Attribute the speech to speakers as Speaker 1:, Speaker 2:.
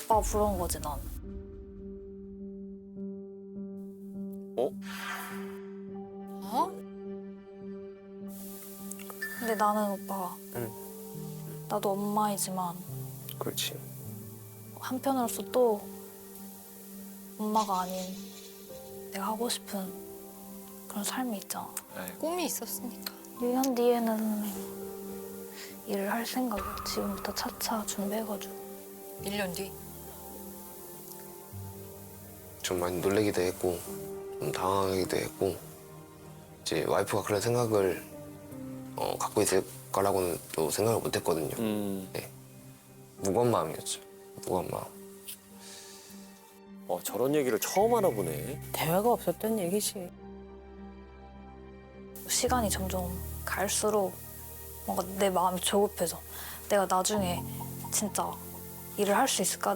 Speaker 1: 오빠 부러운 거지 난.
Speaker 2: 어?
Speaker 3: 어?
Speaker 1: 근데 나는 오빠,
Speaker 2: 응.
Speaker 1: 나도 엄마이지만
Speaker 2: 그렇지.
Speaker 1: 한편으로서 또 엄마가 아닌 내가 하고 싶은 그런 삶이 있잖아.
Speaker 3: 꿈이 있었으니까.
Speaker 1: 1년 뒤에는 일을 할 생각이야. 지금부터 차차 준비해가지고.
Speaker 3: 1년 뒤.
Speaker 2: 좀 많이 놀래기도 했고 좀 당황하기도 했고 이제 와이프가 그런 생각을 갖고 있을 거라고는 또 생각을 못했거든요. 네. 무거운 마음이었죠. 무거운 마음.
Speaker 4: 저런 얘기를 처음 알아보네.
Speaker 5: 대화가 없었던 얘기지.
Speaker 1: 시간이 점점 갈수록 뭔가 내 마음이 조급해져. 내가 나중에 진짜 일을 할 수 있을까?